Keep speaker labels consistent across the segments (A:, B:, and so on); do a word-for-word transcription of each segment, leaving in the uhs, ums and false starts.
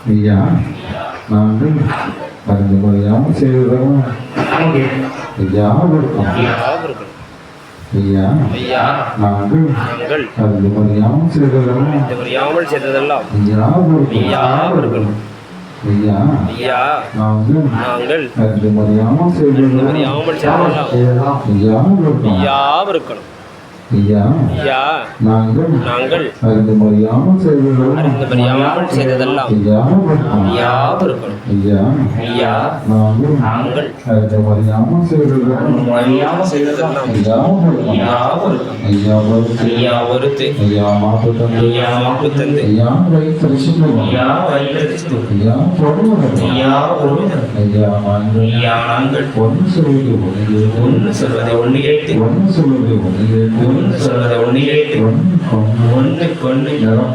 A: ஐயா நாங்கள் அறிந்து மறியாமல் செய்ததெல்லாம் ஐயா இருக்கும். ஐயா நாங்கள் அறிந்து மறியாமல் செய்ததெல்லாம் ஐயா இருக்கும். ஐயா நாங்கள் அறிந்து மறியாமல் செய்ததெல்லாம் ஐயா இருக்கணும். ஐயா நாங்கள் அறிந்து மறியாமல் செய்ததெல்லாம் ஐயா இருக்கணும். ஐயா நாங்கள் அறிந்து மறியாமல் செய்ததெல்லாம் ஐயா ஐயா வருத்து ஐயா மாப்பு தந்து ஐயா வைத்தரிசித்து ஐயா ஐயா ஐயா நாங்கள் ஒன்று சொல்வது ஒன்று சொல்வதை ஒன்று கேட்டு ஒன்று சொல்வதை ஒன்று கேட்டு ஒன்று சொல்வதை ஒன்று கேட்டு ஒன்று கொண்டு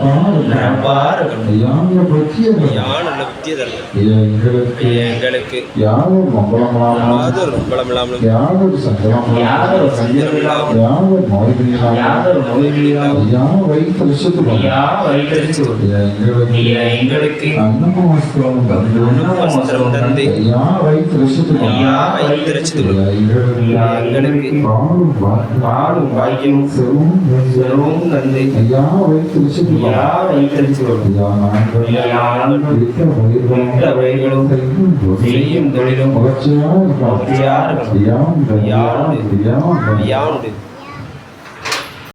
A: எங்களுக்கு யாரும் மங்களம் யாரும் சங்கடம் யாரும் நோய்கள் யார் வைத்தரிசித்து எங்களுக்கு அன்னமும் வஸ்திரமும் தந்து யார் வைத்தரிசித்து எங்களுக்கு பாடும் வாக்கியம் செல்வம் தந்தை ஐயா வைத்து ஐயா வைத்தரிச்சு ஐயா நாங்கள் விட்ட வயல்களும் செய்யும் தொழிலும் ஐயா ஐயா ஐயா